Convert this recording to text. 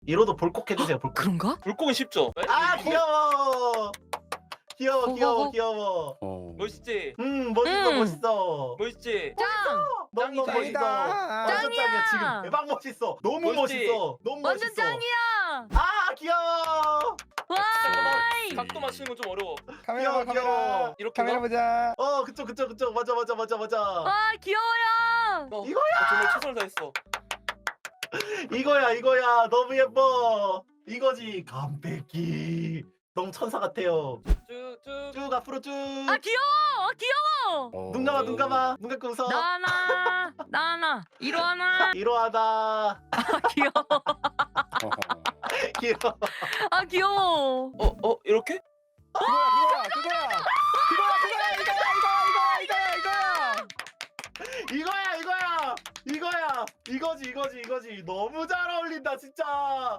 이로도 볼콕 해주세요. 볼콕. 그런가? 불꽃은 쉽죠? 아 귀여워. 귀여워 귀여워 어허허. 귀여워. 멋있지? 멋있어 멋있어. 멋있지? 짱! 너무 짱이다. 멋있어. 완전 짱이야. 짱이야 지금. 대박 멋있어. 너무 멋있지? 멋있어. 너무 완전 멋있어. 짱이야! 아 귀여워. 와이! 각도 맞추는 건 좀 어려워. 카메라 봐, 귀여워, 카메라. 귀여워. 이렇게 카메라 나? 보자. 그쵸 그쵸 그쵸. 맞아. 와 귀여워요! 이거야! 정말 최선을 다했어. 이거야 너무 예뻐. 이거지 감백기. 너무 천사 같아요. 쭉쭉. 쭉 앞으로 쭉. 아 귀여워! 눈 감아 눈 감아. 눈 감고 웃어. 나나 일어나. 이러하다. 아 귀여워. 귀여워. 아 귀여워. 이렇게? 그거야. 이거야. 이거지. 너무 잘 어울린다 진짜.